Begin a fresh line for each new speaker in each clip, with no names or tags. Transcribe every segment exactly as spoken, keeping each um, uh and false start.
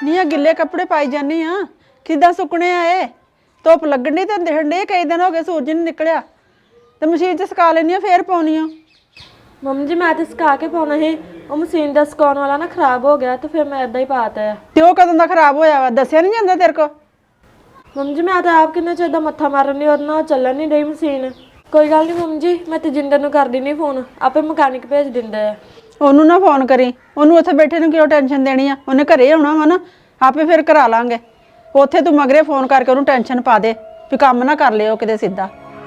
ਨੀ ਆ ਗਿੱਲੇ ਕੱਪੜੇ ਪਾਈ ਜਾਨੀ ਆ ਕਿੱਦਾਂ ਸੁੱਕਣੇ ਆ ਇਹ ਧੁੱਪ ਲੱਗਣੀ ਤੇ ਦਿਖਣ ਡੇ ਕਈ ਦਿਨ ਹੋ ਗਏ ਸੂਰਜ ਨਹੀਂ ਨਿਕਲਿਆ ਤੇ ਮਸ਼ੀਨ 'ਚ ਸੁਕਾ ਲੈਣੀ ਆ ਫੇਰ ਪਾਉਣੀ ਆ।
ਮੰਮੀ ਜੀ ਮੈਂ ਤੇ ਸੁਕਾ ਕੇ ਪਾਉਣਾ ਸੀ ਉਹ ਮਸ਼ੀਨ ਦਾ ਸੁਕਾਉਣ ਵਾਲਾ ਨਾ ਖਰਾਬ ਹੋ ਗਿਆ ਤੇ ਫਿਰ ਮੈਂ ਇਦਾਂ ਹੀ ਪਾਤਾ ਆ।
ਤੇ ਉਹ ਕਦੋਂ ਦਾ ਖਰਾਬ ਹੋਇਆ ਵਾ ਦੱਸਿਆ ਨਹੀਂ ਜਾਂਦਾ ਤੇਰੇ ਕੋ?
ਮੰਮੀ ਜੀ ਮੈਂ ਤਾਂ ਆਪ ਕਿੰਨੇ ਚਿਰ ਦਾ ਮੱਥਾ ਮਾਰਨ ਲਈ ਉਹਦੇ ਨਾਲ ਚੱਲਣ ਨਹੀਂ ਰਹੀ ਮਸ਼ੀਨ। ਕੋਈ ਗੱਲ ਨਹੀਂ ਮੰਮੀ ਜੀ ਮੈਂ ਤੇਜਿੰਦਰ ਨੂੰ ਕਰ ਦਿੰਦੀ ਫੋਨ ਆਪੇ ਮਕੈਨਿਕ ਭੇਜ ਦਿੰਦਾ ਆ।
ਉਹਨੂੰ ਨਾ ਫੋਨ ਕਰੀ ਉਹਨੂੰ ਉੱਥੇ ਬੈਠੇ ਨੂੰ ਕਿਉਂ ਟੈਨਸ਼ਨ ਦੇਣੀ ਆ ਉਹਨੇ ਘਰੇ ਆਉਣਾ ਵਾ ਨਾ ਆਪੇ ਫਿਰ ਕਰਾ ਲਾਂਗੇ। ਉੱਥੇ ਤੂੰ ਮਗਰੇ ਫੋਨ ਕਰਕੇ ਉਹਨੂੰ ਟੈਨਸ਼ਨ ਪਾ ਦੇ ਵੀ ਕੰਮ ਨਾ ਕਰ ਲਿਓ ਕਿਤੇ ਸਿੱਧਾ।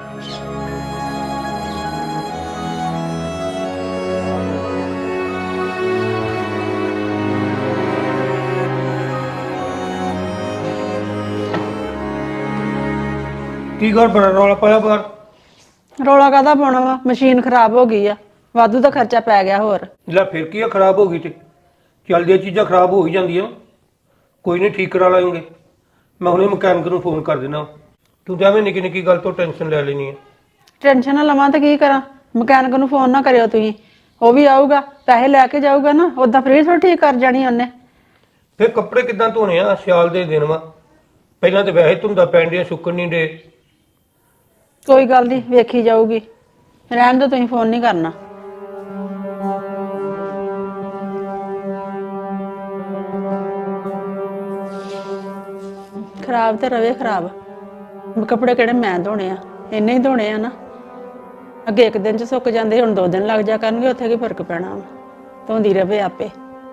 ਕੀ ਕਰ ਬੜਾ ਰੌਲਾ ਪਾਇਆ ਬਾਹਰ?
ਰੌਲਾ ਕਾਹਦਾ ਪਾਉਣਾ ਵਾ ਮਸ਼ੀਨ ਖਰਾਬ ਹੋ ਗਈ ਆ ਵਾਧੂ ਦਾ ਖਰਚਾ ਪੈ ਗਿਆ ਹੋਰ।
ਲੈ ਫਿਰ ਕੀ ਆ ਖਰਾਬ ਹੋ ਗਈ ਤੇ ਚੱਲਦੀਆਂ ਚੀਜ਼ਾਂ ਖਰਾਬ ਹੋ ਹੀ ਜਾਂਦੀਆਂ ਕੋਈ ਨਹੀਂ ਠੀਕ ਕਰਾ ਲਾਂਗੇ। ਮੈਂ ਹੁਣੇ ਮਕੈਨਿਕ ਨੂੰ ਫੋਨ ਕਰ ਦੇਣਾ। ਤੂੰ ਜਾਵੇਂ ਨਿੱਕੀ ਨਿੱਕੀ ਗੱਲ ਤੋਂ ਟੈਨਸ਼ਨ ਲੈ ਲੈਣੀ ਹੈ।
ਟੈਨਸ਼ਨ ਨਾ ਲਵਾਂ ਤਾਂ ਕੀ ਕਰਾਂ ਮਕੈਨਿਕ ਨੂੰ ਫੋਨ ਨਾ ਕਰਿਓ ਤੁਸੀਂ ਉਹ ਵੀ ਆਊਗਾ ਪੈਸੇ ਲੈ ਕੇ ਜਾਊਗਾ ਨਾ ਉਦਾਂ ਫ੍ਰੀ ਥੋੜੀ ਠੀਕ ਕਰ ਜਾਣੀ ਉਹਨੇ।
ਫਿਰ ਕੱਪੜੇ ਕਿੱਦਾਂ ਧੋਣੇ ਆ ਸਿਆਲ ਦੇ ਦਿਨ ਵਾ ਪਹਿਲਾਂ ਤੇ ਵੈਸੇ ਧੁੰਦਾ ਪੈਣ ਦੀਆਂ ਸੁੱਕਣ ਨਹੀਂ ਡੇ।
ਕੋਈ ਗੱਲ ਨਹੀਂ ਵੇਖੀ ਜਾਊਗੀ ਰਹਿਣ ਦੋ ਤੁਸੀਂ ਫੋਨ ਨਹੀਂ ਕਰਨਾ। ਖਰਾਬ ਤੇ ਰਵੇ ਖਰਾਬ ਕੱਪੜੇ ਕਿਹੜੇ ਮੈਂ ਧੋਣੇ ਆ ਇੰਨੇ ਹੀ ਧੋਣੇ ਆ ਨਾ ਅੱਗੇ ਇੱਕ ਦਿਨ ਚ ਸੁੱਕ ਜਾਂਦੇ ਹੁਣ ਦੋ ਦਿਨ ਲੱਗ ਜਾ ਕਰਨਗੇ ਉੱਥੇ ਕੀ ਫਰਕ ਪੈਣਾ ਵਾ ਧੋਂਦੀ ਰਵੇ ਆਪੇ।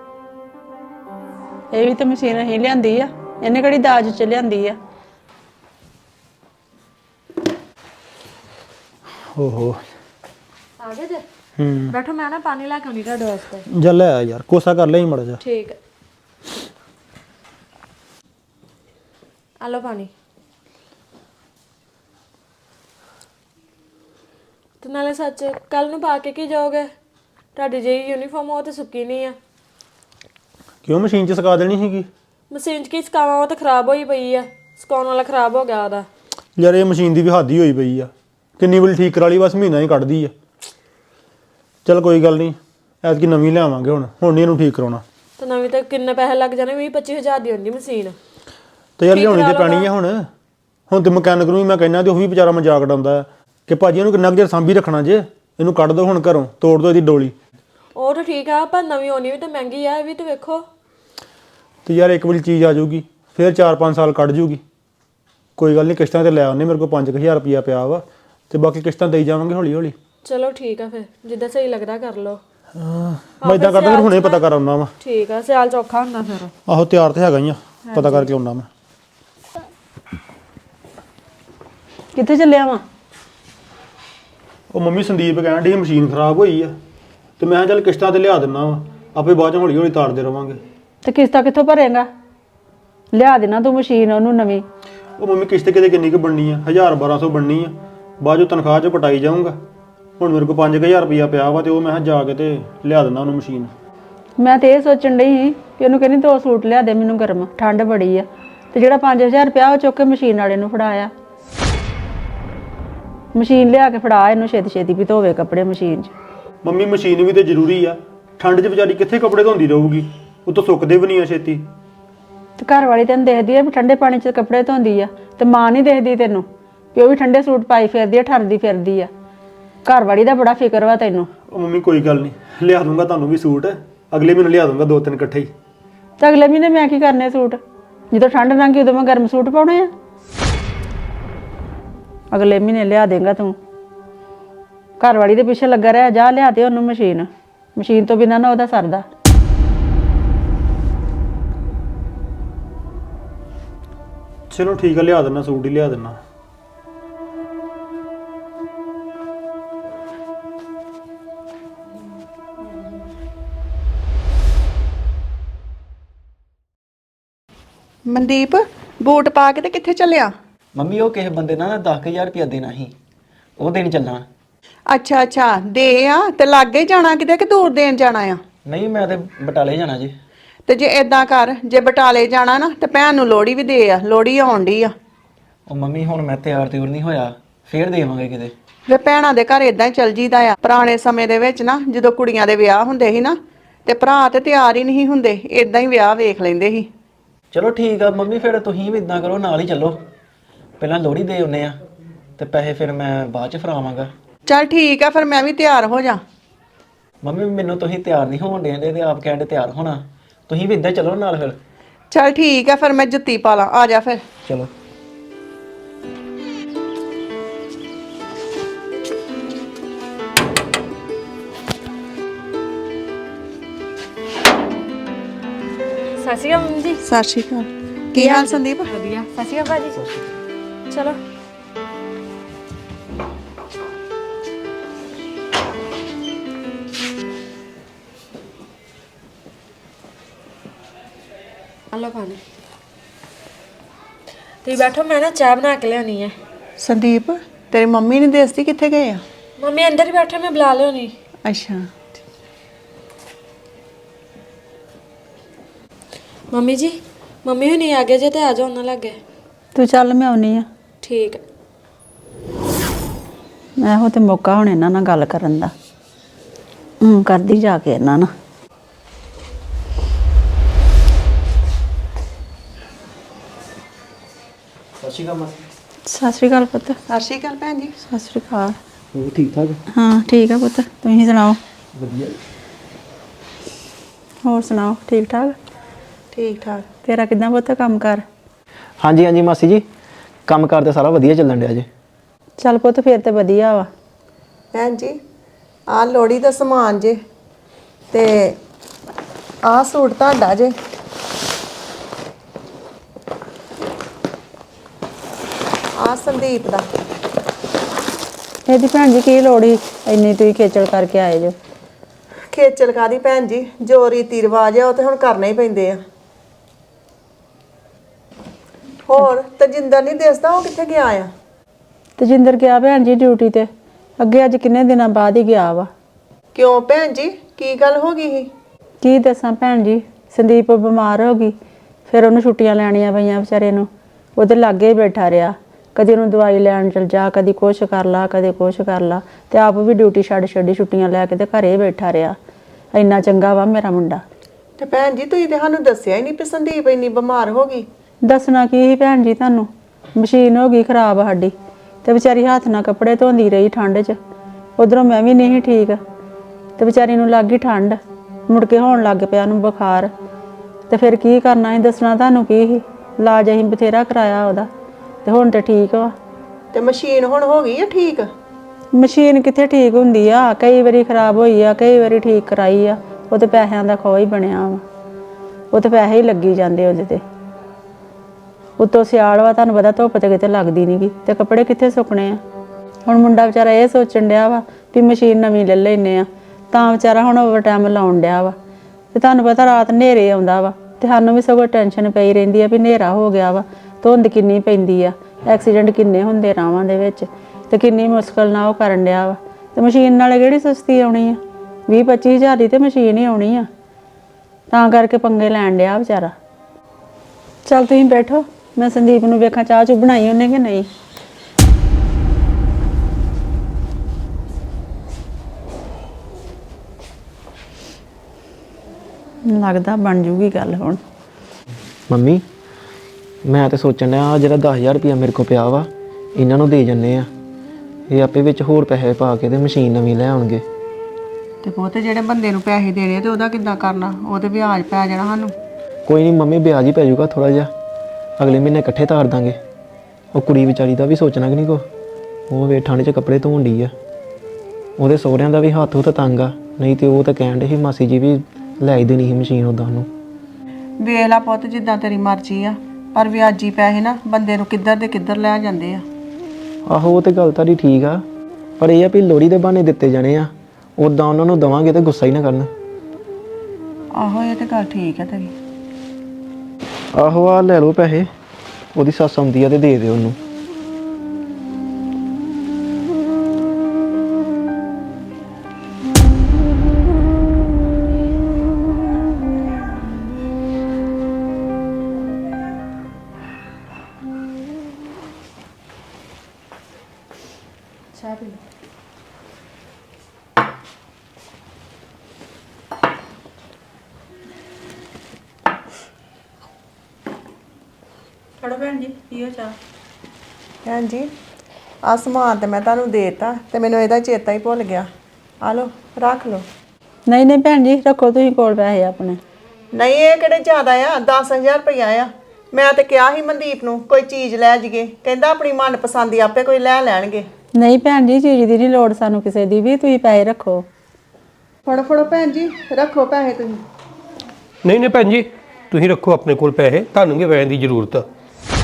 ਇਹ ਵੀ ਤਾਂ ਮਸ਼ੀਨ ਹੀ ਲਿਆਂਦੀ ਆ ਇਹਨੇ ਕਿਹੜੀ ਦਾਜ ਚ ਲਿਆਂਦੀ ਆ।
ਓਹੋ
ਆ ਗਏ ਜੇ
ਹੂੰ
ਬੈਠੋ ਮੈਂ ਨਾ ਪਾਣੀ ਲੈ ਕੇ ਆਉਣੀ ਤੁਹਾਡੇ ਵਾਸਤੇ।
ਜਲ ਆ ਯਾਰ ਕੋਸਾ ਕਰ ਲਈ ਮੜ ਜਾ।
ਠੀਕ ਹੈ ਆ ਲਓ ਪਾਣੀ। ਤੇ ਨਾਲੇ ਸੱਚ ਕੱਲ ਨੂੰ ਪਾ ਕੇ ਕੀ ਜਾਓਗੇ ਤੁਹਾਡੀ ਜਿਹੜੀ ਯੂਨੀਫਾਰਮ ਉਹ ਤੇ ਸੁੱਕੀ ਨਹੀਂ ਆ।
ਕਿਉਂ ਮਸ਼ੀਨ 'ਚ ਸੁਕਾ ਦੇਣੀ ਸੀਗੀ?
ਮਸ਼ੀਨ 'ਚ ਕੀ ਸੁਕਾਵਾਂ ਉਹ ਤਾਂ ਖਰਾਬ ਹੋਈ ਪਈ ਆ ਸੁਕਾਉਣ ਵਾਲਾ ਖਰਾਬ ਹੋ ਗਿਆ ਉਹਦਾ।
ਯਾਰ ਇਹ ਮਸ਼ੀਨ ਦੀ ਵੀ ਹੱਦ ਹੀ ਹੋਈ ਪਈ ਆ ਕਿੰਨੀ ਵਾਰੀ ਠੀਕ ਕਰਾ ਲਈ ਬਸ ਮਹੀਨਾ ਹੀ ਕੱਢਦੀ ਆ। ਚਲ ਕੋਈ ਗੱਲ ਨਹੀਂ ਐਤਕੀ ਨਵੀਂ ਲਿਆਵਾਂਗੇ ਹੁਣ ਹੁਣ ਨਹੀਂ ਇਹਨੂੰ ਠੀਕ ਕਰਾਉਣਾ।
ਤੇ ਨਵੀਂ ਤਾਂ ਕਿੰਨੇ ਪੈਸੇ ਲੱਗ ਜਾਣੇ ਵੀਹ ਪੱਚੀ ਹਜ਼ਾਰ ਦੀ ਹੁੰਦੀ ਮਸ਼ੀਨ।
ਤੇ ਯਾਰ ਲਿਆਉਣੀ ਤੇ ਪੈਣੀ ਆ ਹੁਣ ਹੁਣ ਤੇ ਮਕੈਨਿਕ ਨੂੰ ਵੀ ਮੈਂ ਕਹਿੰਦਾ ਤੇ ਉਹ ਵੀ ਵਿਚਾਰਾ ਮਜ਼ਾਕ ਉਡਾਉਂਦਾ ਆ ਕਿ ਭਾਜੀ ਇਹਨੂੰ ਕਿੰਨਾ ਕੁ ਚਿਰ ਸਾਂਭੀ ਰੱਖਣਾ ਜੇ ਇਹਨੂੰ ਕੱਢ ਦਿਓ ਹੁਣ ਘਰੋਂ ਤੋੜ ਦਿਓ ਇਹਦੀ ਡੋਲੀ।
ਉਹ ਤਾਂ ਠੀਕ ਆ ਪਰ ਨਵੀਂ ਹੋਣੀ ਵੀ ਤਾਂ ਮਹਿੰਗੀ ਆ ਇਹ ਵੀ ਤਾਂ ਵੇਖੋ।
ਤੇ ਯਾਰ ਇੱਕ ਵਾਰੀ ਚੀਜ਼ ਆ ਜਾਊਗੀ ਫਿਰ ਚਾਰ ਪੰਜ ਸਾਲ ਕੱਢ ਜੂਗੀ। ਕੋਈ ਗੱਲ ਨਹੀਂ ਕਿਸ਼ਤਾਂ ਤੇ ਲੈ ਆਉਂਦੇ ਮੇਰੇ ਕੋਲ ਪੰਜ ਕੁ ਹਜ਼ਾਰ ਰੁਪਈਆ ਪਿਆ ਵਾ ਤੇ ਬਾਕੀ ਕਿਸ਼ਤਾਂ ਦੇਈ ਜਾਵਾਂਗੇ ਹੌਲੀ ਹੌਲੀ।
ਚਲੋ ਠੀਕ ਆ ਫਿਰ ਜਿੱਦਾਂ ਸਹੀ ਲੱਗਦਾ ਕਰ ਲਓ।
ਮੈਂ ਇਦਾਂ ਕਰਦਾ ਫਿਰ ਹੁਣੇ ਪਤਾ ਕਰ ਆਉਣਾ ਵਾ।
ਠੀਕ ਆ ਸਿਆਲ ਚੌਖਾ ਹੁੰਦਾ ਫਿਰ।
ਆਹੋ ਤਿਆਰ ਤੇ ਹੈਗਾ ਹੀ ਆ ਪਤਾ ਕਰਕੇ ਆਉਣਾ ਮੈਂ।
ਕਿੱਥੇ ਚੱਲਿਆ ਵਾ?
ਉਹ ਮੰਮੀ ਸੰਦੀਪ ਕਹਿਣ ਡਈ ਮਸ਼ੀਨ ਖਰਾਬ ਹੋਈ ਆ ਤੇ ਮੈਂ ਕਿਹਾ ਚੱਲ ਕਿਸ਼ਤਾਂ ਤੇ ਲਿਆ ਦਿੰਨਾ ਵਾ ਆਪੇ ਬਾਅਦ ਚ ਹੌਲੀ ਹੌਲੀ ਤਾਰਦੇ ਰਵਾਂਗੇ।
ਤੇ ਕਿਸ਼ਤਾਂ ਕਿੱਥੋਂ ਭਰੇਗਾ ਲਿਆ ਦੇਣਾ ਤੂੰ ਮਸ਼ੀਨ ਉਹਨੂੰ ਨਵੀਂ।
ਉਹ ਮੰਮੀ ਕਿਸ਼ਤ ਕਿਤੇ ਕਿੰਨੀ ਕੁ ਬਣਨੀ ਆ ਹਜ਼ਾਰ ਬਾਰਾਂ ਸੌ ਬਣਨੀ ਆ ਬਾਅਦ ਚੋਂ ਤਨਖਾਹ ਚੋਂ ਕਟਾਈ ਜਾਊਂਗਾ। ਹੁਣ ਮੇਰੇ ਕੋਲ ਪੰਜ ਕੁ ਹਜ਼ਾਰ ਰੁਪਈਆ ਪਿਆ ਵਾ ਤੇ ਉਹ ਮੈਂ ਕਿਹਾ ਜਾ ਕੇ ਤੇ ਲਿਆ ਦਿੰਦਾ ਉਹਨੂੰ ਮਸ਼ੀਨ।
ਮੈਂ ਤੇ ਇਹ ਸੋਚਣ ਡਈ ਸੀ ਕਿ ਉਹਨੂੰ ਕਹਿੰਦੀ ਦੋ ਸੂਟ ਲਿਆ ਦੇ ਮੈਨੂੰ ਗਰਮ ਠੰਡ ਬੜੀ ਆ ਤੇ ਜਿਹੜਾ ਪੰਜ ਹਜ਼ਾਰ ਰੁਪਇਆ ਉਹ ਚੁੱਕ ਕੇ ਮਸ਼ੀਨ ਵਾਲੇ ਨੂੰ ਫੜਾਇਆ। ਮਸ਼ੀਨ ਲਿਆ ਕੇ ਫੜਾ ਇਹਨੂੰ ਛੇਤੀ ਛੇਤੀ ਵੀ ਧੋਵੇ ਕੱਪੜੇ ਮਸ਼ੀਨ 'ਚ।
ਮੰਮੀ ਮਸ਼ੀਨ ਵੀ ਤੇ ਜ਼ਰੂਰੀ ਆ ਠੰਡ 'ਚ ਵਿਚਾਰੀ ਕਿੱਥੇ ਕੱਪੜੇ ਧੋਂਦੀ ਰਹੂਗੀ ਉਹ ਤਾਂ ਸੁੱਕਦੇ ਵੀ ਨਹੀਂ ਆ ਛੇਤੀ।
ਤੇ ਘਰ ਵਾਲੀ ਤੈਨੂੰ ਦੇਖਦੀ ਆ ਵੀ ਠੰਡੇ ਪਾਣੀ 'ਚ ਕੱਪੜੇ ਧੋਂਦੀ ਆ ਤੇ ਮਾਂ ਨਹੀਂ ਦੇਖਦੀ ਤੈਨੂੰ ਵੀ ਉਹ ਵੀ ਠੰਡੇ ਸੂਟ ਪਾਈ ਫਿਰਦੀ ਆ ਠਰਦੀ ਫਿਰਦੀ ਆ। ਘਰ ਵਾਲੀ ਦਾ ਬੜਾ ਫਿਕਰ ਵਾ ਤੈਨੂੰ।
ਉਹ ਮੰਮੀ ਕੋਈ ਗੱਲ ਨਹੀਂ ਲਿਆ ਦੂੰਗਾ ਤੁਹਾਨੂੰ ਵੀ ਸੂਟ ਅਗਲੇ ਮਹੀਨੇ ਲਿਆ ਦੂੰਗਾ ਦੋ ਤਿੰਨ ਇਕੱਠੇ ਹੀ।
ਤੇ ਅਗਲੇ ਮਹੀਨੇ ਮੈਂ ਕੀ ਕਰਨੇ ਸੂਟ ਜਦੋਂ ਠੰਡ ਲੰਘੀ ਉਦੋਂ ਮੈਂ ਗਰਮ ਸੂਟ ਪਾਉਣੇ ਆ। ਅਗਲੇ ਮਹੀਨੇ ਲਿਆ ਦੇਂਗਾ ਤੂੰ। ਘਰ ਵਾਲੀ ਦੇ ਪਿੱਛੇ ਲੱਗਾ ਰਿਹਾ ਜਾ ਲਿਆ ਦੇ ਉਹਨੂੰ ਮਸ਼ੀਨ ਮਸ਼ੀਨ ਤੋਂ ਬਿਨਾਂ ਨਾ ਉਹਦਾ ਸਰਦਾ।
ਚਲੋ ਠੀਕ ਆ ਲਿਆ ਦਿੰਦਾ ਸੂਟ ਹੀ ਲਿਆ ਦਿੰਦਾ।
ਮਨਦੀਪ ਬੂਟ ਪਾ ਕੇ ਤੇ ਕਿੱਥੇ ਚੱਲਿਆ?
ਮੰਮੀ ਉਹ ਕਿਸੇ ਬੰਦੇ ਨਾਲ ਦਸ ਹਜ਼ਾਰ ਰੁਪਇਆ ਦੇਣਾ ਸੀ ਉਹ ਦੇਣ ਚੱਲਣਾ।
ਅੱਛਾ ਅੱਛਾ ਦੇ ਆ ਤੇ ਲਾਗੇ ਜਾਣਾ ਕਿਤੇ ਕਿ ਦੂਰ ਦੇਣ ਜਾਣਾ ਆ?
ਨਹੀਂ ਮੈਂ ਤੇ ਬਟਾਲੇ ਜਾਣਾ ਜੀ।
ਤੇ ਜੇ ਏਦਾਂ ਕਰ ਜੇ ਬਟਾਲੇ ਜਾਣਾ ਨਾ ਤੇ ਭੈਣ ਨੂੰ ਲੋੜੀ ਵੀ ਦੇ ਆ ਲੋੜੀ ਆਉਣ ਡਈ ਆ।
ਉਹ ਮੰਮੀ ਹੁਣ ਮੈਂ ਤਿਆਰ ਤਿਉਰ ਨਹੀਂ ਹੋਇਆ ਫੇਰ ਦੇਵਾਂਗੇ ਕਿਤੇ।
ਵੇ ਭੈਣਾਂ ਦੇ ਘਰ ਏਦਾਂ ਹੀ ਚੱਲ ਜੀਦਾ ਆ। ਪੁਰਾਣੇ ਸਮੇਂ ਦੇ ਵਿੱਚ ਨਾ ਜਦੋਂ ਕੁੜੀਆਂ ਦੇ ਵਿਆਹ ਹੁੰਦੇ ਸੀ ਨਾ ਤੇ ਭਰਾ ਤੇ ਤਿਆਰ ਹੀ ਨਹੀਂ ਹੁੰਦੇ ਏਦਾਂ ਹੀ ਵਿਆਹ ਵੇਖ ਲੈਂਦੇ ਸੀ।
ਚਲੋ ਠੀਕ ਆ ਮੰਮੀ, ਫਿਰ ਤੁਸੀਂ ਵੀ ਇਦਾਂ ਕਰੋ, ਨਾਲ ਹੀ ਚੱਲੋ। ਪਹਿਲਾਂ ਲੋਹੜੀ ਦੇ ਆਉਨੇ ਆ ਤੇ ਪੈਸੇ ਫਿਰ ਮੈਂ ਬਾਅਦ ਚ ਫੜਾਵਾਂਗਾ।
ਚੱਲ ਠੀਕ ਆ ਫਿਰ ਮੈਂ ਵੀ ਤਿਆਰ ਹੋ ਜਾ।
ਮੰਮੀ ਮੈਨੂੰ ਤੁਸੀਂ ਤਿਆਰ ਨਹੀਂ ਹੋਣ ਦੇਂਦੇ ਤੇ ਆਪ ਕਹਿੰਦੇ ਤਿਆਰ ਹੋਣਾ, ਤੁਸੀਂ ਵੀ ਇਦਾਂ ਚੱਲੋ ਨਾਲ ਫਿਰ।
ਚੱਲ ਠੀਕ ਆ ਫਿਰ ਮੈਂ ਜੁੱਤੀ ਪਾ ਲਾਂ, ਆ ਜਾ ਫਿਰ।
ਚਲੋ।
ਸਤਿ ਸ਼੍ਰੀ ਅਕਾਲ ਮੰਮੀ ਜੀ।
ਸਤਿ ਸ਼੍ਰੀ ਅਕਾਲ। ਕੀ ਹਾਲ ਸੰਦੀਪ?
ਵਧੀਆ। ਸਤਿ ਸ਼੍ਰੀ ਅਕਾਲ ਭਾਜੀ। ਚਲੋ। ਹਲੋ ਪਾਣੀ। ਤੁਸੀਂ ਬੈਠੋ, ਮੈਂ ਨਾ ਚਾਹ ਬਣਾ ਕੇ ਲਿਆਉਣੀ ਹੈ।
ਸੰਦੀਪ ਤੇਰੀ ਮੰਮੀ ਨੇ ਦੱਸਦੀ ਕਿੱਥੇ ਗਏ ਆ?
ਮੰਮੀ ਅੰਦਰ ਹੀ ਬੈਠੇ, ਮੈਂ ਬੁਲਾ ਲਿਆਉਣੀ।
ਅੱਛਾ।
ਮੰਮੀ ਜੀ, ਮੰਮੀ ਹੁਣੀ ਆ ਗਏ ਜੇ ਤੇ ਆ ਜਾਓ ਉਹਨਾਂ ਲੱਗੇ।
ਤੂੰ ਚੱਲ ਮੈਂ ਆਉਣੀ ਆ।
ਠੀਕ ਹੈ।
ਇਹੋ ਤੇ ਮੌਕਾ ਹੁਣ ਇਹਨਾਂ ਨਾਲ ਗੱਲ ਕਰਨ ਦਾ। ਹੂੰ ਕਰਦੀ ਜਾ ਕੇ ਇਹਨਾਂ ਨਾਲ।
ਸਤਿ ਸ਼੍ਰੀ ਅਕਾਲ ਮਾਸੀ।
ਸਤਿ ਸ਼੍ਰੀ ਅਕਾਲ ਪੁੱਤ।
ਸਤਿ ਸ਼੍ਰੀ ਅਕਾਲ ਭੈਣ ਜੀ।
ਸਤਿ ਸ਼੍ਰੀ ਅਕਾਲ।
ਉਹ ਠੀਕ ਠਾਕ?
ਹਾਂ ਠੀਕ ਆ ਪੁੱਤ, ਤੁਸੀਂ ਸੁਣਾਓ?
ਵਧੀਆ।
ਹੋਰ ਸੁਣਾਓ, ਠੀਕ ਠਾਕ?
ਠੀਕ ਠਾਕ।
ਤੇਰਾ ਕਿੱਦਾਂ ਪੁੱਤ ਕੰਮ ਕਰ?
ਹਾਂਜੀ ਹਾਂਜੀ ਮਾਸੀ ਜੀ, ਕੰਮ ਕਾਰ ਤੇ ਸਾਰਾ ਵਧੀਆ ਚੱਲਣ ਡਿਆ ਜੇ।
ਚੱਲ ਪੁੱਤ ਫਿਰ ਤੇ ਵਧੀਆ ਵਾ।
ਭੈਣ ਜੀ ਆਹ ਲੋੜੀ ਦਾ ਸਮਾਨ ਜੇ ਤੇ ਆਹ ਸੂਟ ਤੁਹਾਡਾ ਜੇ। ਆਹ ਸੰਦੀਪ ਦਾ।
ਇਹਦੀ ਭੈਣ ਜੀ ਕੀ ਲੋੜ ਸੀ ਇੰਨੀ ਤੁਸੀਂ ਖੇਚਲ ਕਰਕੇ ਆਏ ਜੋ?
ਖੇਚਲ ਕਾਦੀ ਭੈਣ ਜੀ, ਜੋ ਰੀਤੀ ਰਿਵਾਜ ਆ ਉਹ ਤੇ ਹੁਣ ਕਰਨੇ ਹੀ ਪੈਂਦੇ ਆ। ਹੋਰ ਤਜਿੰਦਰ ਨਹੀਂ ਦਿਸਦਾ, ਉਹ ਕਿੱਥੇ ਗਿਆ ਆ?
ਤਜਿੰਦਰ ਗਿਆ ਭੈਣ ਜੀ ਡਿਊਟੀ ਤੇ। ਅੱਗੇ ਅੱਜ ਕਿੰਨੇ ਦਿਨਾਂ ਬਾਅਦ ਹੀ ਗਿਆ ਵਾ।
ਕਿਉਂ ਭੈਣ ਜੀ, ਕੀ ਗੱਲ ਹੋ ਗਈ ਸੀ?
ਕੀ ਦੱਸਾਂ ਭੈਣ ਜੀ, ਸੰਦੀਪ ਬਿਮਾਰ ਹੋ ਗਈ, ਫਿਰ ਉਹਨੂੰ ਛੁੱਟੀਆਂ ਲੈਣੀਆਂ ਪਈਆਂ ਵਿਚਾਰੇ ਨੂੰ। ਉਹਦੇ ਲਾਗੇ ਹੀ ਬੈਠਾ ਰਿਹਾ, ਕਦੀ ਉਹਨੂੰ ਦਵਾਈ ਲੈਣ ਚਲ ਜਾ, ਕਦੀ ਕੁਛ ਕਰ ਲਾ, ਕਦੇ ਕੁਛ ਕਰ ਲਾ, ਤੇ ਆਪ ਵੀ ਡਿਊਟੀ ਛੱਡ ਛੱਡੀ ਛੁੱਟੀਆਂ ਲੈ ਕੇ ਤੇ ਘਰੇ ਬੈਠਾ ਰਿਹਾ। ਇੰਨਾ ਚੰਗਾ ਵਾ ਮੇਰਾ ਮੁੰਡਾ।
ਤੇ ਭੈਣ ਜੀ ਤੁਸੀਂ ਤੇ ਸਾਨੂੰ ਦੱਸਿਆ ਹੀ ਨਹੀਂ ਕਿ ਸੰਦੀਪ ਇੰਨੀ ਬਿਮਾਰ ਹੋ ਗਈ।
ਦੱਸਣਾ ਕੀ ਸੀ ਭੈਣ ਜੀ ਤੁਹਾਨੂੰ, ਮਸ਼ੀਨ ਹੋ ਗਈ ਖਰਾਬ ਸਾਡੀ, ਤੇ ਵਿਚਾਰੀ ਹੱਥ ਨਾਲ ਕੱਪੜੇ ਧੋਂਦੀ ਰਹੀ ਠੰਡ 'ਚ। ਉਧਰੋਂ ਮੈਂ ਵੀ ਨਹੀਂ ਠੀਕ, ਤੇ ਵਿਚਾਰੀ ਨੂੰ ਲੱਗ ਗਈ ਠੰਡ, ਮੁੜ ਕੇ ਹੋਣ ਲੱਗ ਪਿਆ ਉਹਨੂੰ ਬੁਖਾਰ। ਤੇ ਫਿਰ ਕੀ ਕਰਨਾ ਸੀ, ਦੱਸਣਾ ਤੁਹਾਨੂੰ ਕੀ ਸੀ। ਇਲਾਜ ਅਸੀਂ ਬਥੇਰਾ ਕਰਾਇਆ ਉਹਦਾ, ਤੇ ਹੁਣ ਤੇ ਠੀਕ ਵਾ।
ਤੇ ਮਸ਼ੀਨ ਹੁਣ ਹੋ ਗਈ ਆ ਠੀਕ?
ਮਸ਼ੀਨ ਕਿੱਥੇ ਠੀਕ ਹੁੰਦੀ ਆ, ਕਈ ਵਾਰੀ ਖਰਾਬ ਹੋਈ ਆ, ਕਈ ਵਾਰੀ ਠੀਕ ਕਰਾਈ ਆ। ਉਹ ਤੇ ਪੈਸਿਆਂ ਦਾ ਖੋਹ ਹੀ ਬਣਿਆ ਵਾ, ਉਹ ਤੇ ਪੈਸੇ ਹੀ ਲੱਗੀ ਜਾਂਦੇ ਉਹਦੇ ਤੇ। ਉੱਤੋਂ ਸਿਆਲ ਵਾ, ਤੁਹਾਨੂੰ ਪਤਾ ਧੁੱਪ ਤੇ ਕਿਤੇ ਲੱਗਦੀ ਨੀ ਗੀ, ਤੇ ਕੱਪੜੇ ਕਿੱਥੇ ਸੁੱਕਣੇ ਆ। ਹੁਣ ਮੁੰਡਾ ਵਿਚਾਰਾ ਇਹ ਸੋਚਣ ਡਿਆ ਵਾ ਵੀ ਮਸ਼ੀਨ ਨਵੀਂ ਲੈ ਲੈਨੇ ਆ, ਤਾਂ ਵਿਚਾਰਾ ਹੁਣ ਓਵਰ ਟਾਈਮ ਲਾਉਣ ਡਿਆ ਵਾ। ਤੇ ਤੁਹਾਨੂੰ ਪਤਾ ਰਾਤ ਹਨੇਰੇ ਆਉਂਦਾ ਵਾ, ਤੇ ਸਾਨੂੰ ਵੀ ਸਗੋਂ ਟੈਨਸ਼ਨ ਪਈ ਰਹਿੰਦੀ ਆ ਵੀ ਹਨੇਰਾ ਹੋ ਗਿਆ ਵਾ, ਧੁੰਦ ਕਿੰਨੀ ਪੈਂਦੀ ਆ, ਐਕਸੀਡੈਂਟ ਕਿੰਨੇ ਹੁੰਦੇ ਰਾਵਾਂ ਦੇ ਵਿੱਚ, ਤੇ ਕਿੰਨੀ ਮੁਸ਼ਕਲ ਨਾਲ ਉਹ ਕਰਨ ਡਿਆ ਵਾ। ਤੇ ਮਸ਼ੀਨ ਨਾਲੇ ਕਿਹੜੀ ਸਸਤੀ ਆਉਣੀ ਆ, ਵੀਹ ਪੱਚੀ ਹਜ਼ਾਰ ਦੀ ਤੇ ਮਸ਼ੀਨ ਹੀ ਆਉਣੀ ਆ। ਤਾਂ ਕਰਕੇ ਪੰਗੇ ਲੈਣ ਡਿਆ ਵਿਚਾਰਾ। ਚੱਲ ਤੁਸੀਂ ਬੈਠੋ, ਮੈਂ ਸੰਦੀਪ ਨੂੰ ਵੇਖਾਂ ਚਾਹ ਚੂ ਬਣਾਈ ਉਹਨੇ ਕਿ ਨਹੀਂ। ਲੱਗਦਾ ਬਣ ਜੂਗੀ ਗੱਲ ਹੁਣ।
ਮੰਮੀ ਮੈਂ ਤੇ ਸੋਚਣ ਡਿਆ ਜਿਹੜਾ ਦਸ ਹਜ਼ਾਰ ਰੁਪਇਆ ਮੇਰੇ ਕੋਲ ਪਿਆ ਵਾ, ਇਹਨਾਂ ਨੂੰ ਦੇ ਜੰਨੇ ਆ, ਇਹ ਆਪੇ ਵਿੱਚ ਹੋਰ ਪੈਸੇ ਪਾ ਕੇ ਤੇ ਮਸ਼ੀਨ ਨਵੀਂ ਲੈ ਆਉਣਗੇ।
ਤੇ ਪੁੱਤ ਜਿਹੜੇ ਬੰਦੇ ਨੂੰ ਪੈਸੇ ਦੇਣੇ ਤੇ ਉਹਦਾ ਕਿੱਦਾਂ ਕਰਨਾ? ਉਹ ਤੇ ਵਿਆਜ ਪੈ ਜਾਣਾ ਸਾਨੂੰ।
ਕੋਈ ਨਹੀਂ ਮੰਮੀ, ਵਿਆਜ ਹੀ ਪੈ ਜਾਊਗਾ ਥੋੜਾ ਜਿਹਾ, ਅਗਲੇ ਮਹੀਨੇ ਇਕੱਠੇ ਤਾਰ ਦਾਂਗੇ। ਉਹ ਕੁੜੀ ਵਿਚਾਰੀ ਦਾ ਵੀ ਸੋਚਣਾ ਕਿ ਨਹੀਂ ਕੋ, ਉਹ ਵੇ ਠੰਡ 'ਚ ਕੱਪੜੇ ਧੋਣ ਡਈ ਆ, ਉਹਦੇ ਸਹੁਰਿਆਂ ਦਾ ਵੀ ਹੱਥ ਹੁੱਥ ਤੰਗ ਆ, ਨਹੀਂ ਤੇ ਉਹ ਤਾਂ ਕਹਿਣ ਡੇ ਸੀ ਮਾਸੀ ਜੀ ਵੀ ਲੈ ਹੀ ਦੇਣੀ ਸੀ ਮਸ਼ੀਨ ਉੱਦਾਂ ਉਹਨੂੰ।
ਵੇਖ ਲਾ ਪੁੱਤ ਜਿੱਦਾਂ ਤੇਰੀ ਮਰਜ਼ੀ ਆ, ਪਰ ਵਿਆਜੀ ਪੈਸੇ ਨਾ ਬੰਦੇ ਨੂੰ ਕਿੱਧਰ ਦੇ ਕਿੱਧਰ ਲੈ ਜਾਂਦੇ ਆ।
ਆਹੋ ਉਹ ਤੇ ਗੱਲ ਤੁਹਾਡੀ ਠੀਕ ਆ, ਪਰ ਇਹ ਆ ਵੀ ਲੋੜੀ ਦੇ ਬਹਾਨੇ ਦਿੱਤੇ ਜਾਣੇ ਆ, ਉੱਦਾਂ ਉਹਨਾਂ ਨੂੰ ਦੇਵਾਂਗੇ ਤੇ ਗੁੱਸਾ ਹੀ ਨਾ ਕਰਨ।
ਆਹੋ ਇਹ ਤੇ ਗੱਲ ਠੀਕ ਆ ਤੇਰੀ।
ਆਹੋ ਆ ਲੈ ਲਓ ਪੈਸੇ, ਉਹਦੀ ਸੱਸ ਆਉਂਦੀ ਆ ਤੇ ਦੇ ਦਿਓ ਉਹਨੂੰ।
ਚਾਹ ਪੀ ਲਓ।
ਫੜੋ ਭੈਣ ਜੀ ਪੀਓ ਚਾਹ।
ਭੈਣ ਜੀ ਆ ਸਮਾਨ ਤੇ ਮੈਂ ਤੁਹਾਨੂੰ ਦੇਤਾ ਤੇ ਮੈਨੂੰ ਇਹਦਾ ਚੇਤਾ ਹੀ ਭੁੱਲ ਗਿਆ। ਆ ਲਓ ਰੱਖ ਲਓ।
ਨਹੀਂ ਨਹੀਂ ਭੈਣ ਜੀ ਰੱਖੋ ਤੁਸੀਂ ਕੋਲ ਪੈਸੇ ਆਪਣੇ।
ਨਹੀਂ ਇਹ ਕਿਹੜੇ ਜ਼ਿਆਦਾ ਆ ਦਸ ਹਜ਼ਾਰ ਰੁਪਇਆ ਆ। ਮੈਂ ਤੇ ਕਿਹਾ ਸੀ ਮਨਦੀਪ ਨੂੰ ਕੋਈ ਚੀਜ਼ ਲੈ ਜੀਏ, ਕਹਿੰਦਾ ਆਪਣੀ ਮਨਪਸੰਦ ਦੀ ਆਪੇ ਕੋਈ ਲੈ ਲੈਣਗੇ।
ਨਹੀਂ ਭੈਣ ਜੀ ਚੀਜ਼ ਦੀ ਨਹੀਂ ਲੋੜ ਸਾਨੂੰ ਕਿਸੇ ਦੀ ਵੀ, ਤੁਸੀਂ ਪੈਸੇ ਰੱਖੋ।
ਫੜੋ ਫੜੋ ਭੈਣ ਜੀ ਰੱਖੋ ਪੈਸੇ ਤੁਸੀਂ।
ਨਹੀਂ ਨਹੀਂ ਭੈਣ ਜੀ ਤੁਸੀਂ ਰੱਖੋ ਆਪਣੇ ਕੋਲ ਪੈਸੇ, ਤੁਹਾਨੂੰ ਕੀ ਪੈਸੇ ਦੀ ਜ਼ਰੂਰਤ ਆ।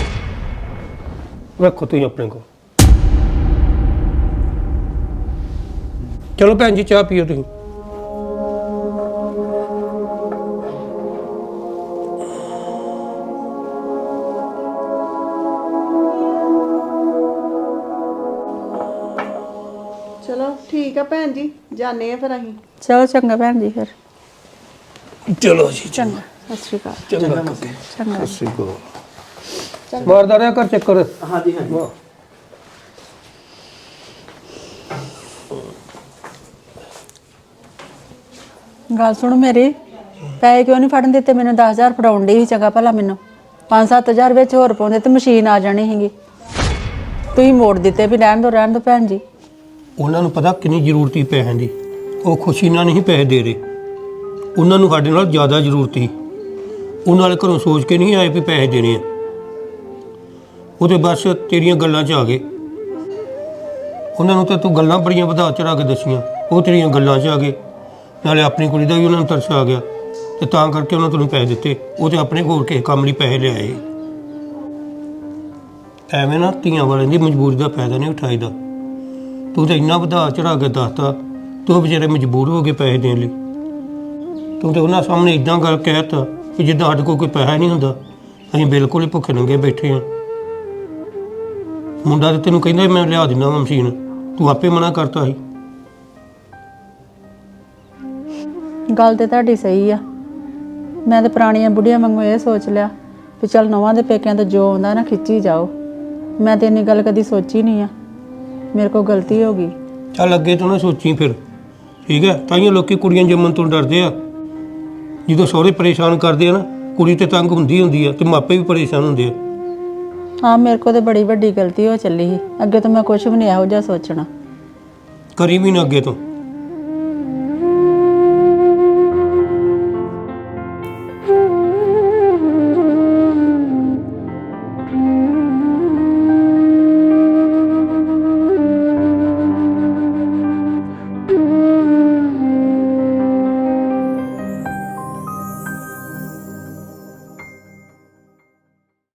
ਰੱਖੋ ਤੁਸੀਂ ਆਪਣੇ ਕੋਲ। ਚਲੋ ਭੈਣ ਜੀ ਚਾਹ ਪੀਓ ਤੁਸੀਂ।
ਚਲੋ ਠੀਕ ਆ ਭੈਣ ਜੀ ਜਾਣੇ ਆ ਫਿਰ ਅਸੀਂ।
ਚਲੋ ਚੰਗਾ ਭੈਣ ਜੀ ਫਿਰ।
ਚਲੋ ਜੀ
ਚੰਗਾ ਸਤਿ ਸ਼੍ਰੀ ਅਕਾਲ।
ਚੰਗਾ
ਚੰਗਾ
ਸਿੱਕੋ ਮਾਰਦਾ ਰਿਹਾ ਕਰ ਚੱਕਰ।
ਹਾਂਜੀ ਹਾਂਜੀ
ਗੱਲ ਸੁਣ ਮੇਰੀ, ਪੈਸੇ ਕਿਉਂ ਨਹੀਂ ਫੜਨ ਦਿੱਤੇ ਮੈਨੂੰ? ਦਸ ਹਜ਼ਾਰ ਫੜਾਉਣ ਡਈ ਸੀ ਚੰਗਾ ਭਲਾ ਮੈਨੂੰ। ਪੰਜ ਸੱਤ ਹਜ਼ਾਰ ਵਿੱਚ ਹੋਰ ਪਾਉਂਦੇ ਤੇ ਮਸ਼ੀਨ ਆ ਜਾਣੀ ਸੀਗੀ। ਤੁਸੀਂ ਮੋੜ ਦਿੱਤੇ ਵੀ ਰਹਿਣ ਦੋ ਰਹਿਣ ਦੋ ਭੈਣ ਜੀ।
ਉਹਨਾਂ ਨੂੰ ਪਤਾ ਕਿੰਨੀ ਜ਼ਰੂਰਤ ਸੀ ਪੈਸਿਆਂ ਦੀ, ਉਹ ਖੁਸ਼ੀ ਨਾਲ ਨਹੀਂ ਪੈਸੇ ਦੇ ਰਹੇ। ਉਹਨਾਂ ਨੂੰ ਸਾਡੇ ਨਾਲ ਜ਼ਿਆਦਾ ਜ਼ਰੂਰਤ ਸੀ। ਉਹਨਾਂ ਵਾਲੇ ਘਰੋਂ ਸੋਚ ਕੇ ਨਹੀਂ ਆਏ ਵੀ ਪੈਸੇ ਦੇਣੇ ਆ। ਉਹਦੇ ਬਸ ਤੇਰੀਆਂ ਗੱਲਾਂ 'ਚ ਆ ਗਏ। ਉਹਨਾਂ ਨੂੰ ਤਾਂ ਤੂੰ ਗੱਲਾਂ ਬੜੀਆਂ ਵਧਾ ਚੜਾ ਕੇ ਦੱਸੀਆਂ, ਉਹ ਤੇਰੀਆਂ ਗੱਲਾਂ 'ਚ ਆ ਗਏ। ਨਾਲੇ ਆਪਣੀ ਕੁੜੀ ਦਾ ਵੀ ਉਹਨਾਂ ਨੂੰ ਤਰਸ ਆ ਗਿਆ ਤੇ ਤਾਂ ਕਰਕੇ ਉਹਨਾਂ ਤੈਨੂੰ ਪੈਸੇ ਦਿੱਤੇ। ਉਹ ਤੇ ਆਪਣੇ ਕੋਲ ਕਿਸੇ ਕੰਮ ਲਈ ਪੈਸੇ ਲਿਆਏ। ਐਵੇਂ ਨਾ ਧੀਆਂ ਵਾਲਿਆਂ ਦੀ ਮਜਬੂਰੀ ਦਾ ਫਾਇਦਾ ਨਹੀਂ ਉਠਾਈਦਾ। ਤੂੰ ਤਾਂ ਇੰਨਾ ਵਧਾ ਚੜਾ ਕੇ ਦੱਸਤਾ, ਤੂੰ ਵਿਚਾਰੇ ਮਜਬੂਰ ਹੋ ਗਏ ਪੈਸੇ ਦੇਣ ਲਈ। ਤੂੰ ਤਾਂ ਉਹਨਾਂ ਸਾਹਮਣੇ ਇੱਦਾਂ ਗੱਲ ਕਹਿ ਤਾ ਕਿ ਜਿੱਦਾਂ ਸਾਡੇ ਕੋਲ ਕੋਈ ਪੈਸਾ ਨਹੀਂ ਹੁੰਦਾ, ਅਸੀਂ ਬਿਲਕੁਲ ਹੀ ਭੁੱਖੇ ਨੰਗੇ ਬੈਠੇ ਹਾਂ। ਮੁੰਡਾ ਤਾਂ ਤੈਨੂੰ ਕਹਿੰਦਾ ਮੈਂ ਲਿਆ ਦਿੰਦਾ ਵਾ ਮਸ਼ੀਨ, ਤੂੰ ਆਪੇ ਮਨਾ ਕਰਤਾ ਸੀ।
ਗੱਲ ਤੇ ਤੁਹਾਡੀ ਸਹੀ ਆ। ਮੈਂ ਤੇ ਪੁਰਾਣੀਆਂ ਬੁੱਢੀਆਂ ਵਾਂਗੂ ਇਹ ਸੋਚ ਲਿਆ ਵੀ ਚੱਲ ਨਵਾਂ ਦੇ ਪੇਕਿਆਂ ਤੋਂ ਜੋ ਆਉਂਦਾ ਨਾ ਖਿੱਚੀ ਜਾਓ। ਮੈਂ ਤੇ ਇੰਨੀ ਗੱਲ ਕਦੀ ਸੋਚੀ ਨਹੀਂ ਆ। ਮੇਰੇ ਕੋਲ ਗਲਤੀ ਹੋ ਗਈ।
ਚੱਲ ਅੱਗੇ ਤੋਂ ਨਾ ਸੋਚੀ ਫਿਰ, ਠੀਕ ਹੈ? ਤਾਈਓ ਲੋਕੀ ਕੁੜੀਆਂ ਜੰਮਣ ਤੋਂ ਡਰਦੇ ਆ। ਜਦੋਂ ਸਹੁਰੇ ਪਰੇਸ਼ਾਨ ਕਰਦੇ ਆ ਨਾ, ਕੁੜੀ ਤੇ ਤੰਗ ਹੁੰਦੀ ਹੁੰਦੀ ਆ ਤੇ ਮਾਪੇ ਵੀ ਪਰੇਸ਼ਾਨ ਹੁੰਦੇ ਆ।
ਹਾਂ ਮੇਰੇ ਕੋਲ ਤੇ ਬੜੀ ਵੱਡੀ ਗਲਤੀ ਹੋ ਚੱਲੀ ਸੀ। ਅੱਗੇ ਤੋਂ ਮੈਂ ਕੁਝ ਵੀ ਨਹੀਂ ਇਹੋ ਜਿਹਾ ਸੋਚਣਾ।
ਕਰੀ ਵੀ ਨਾ ਅੱਗੇ ਤੋਂ।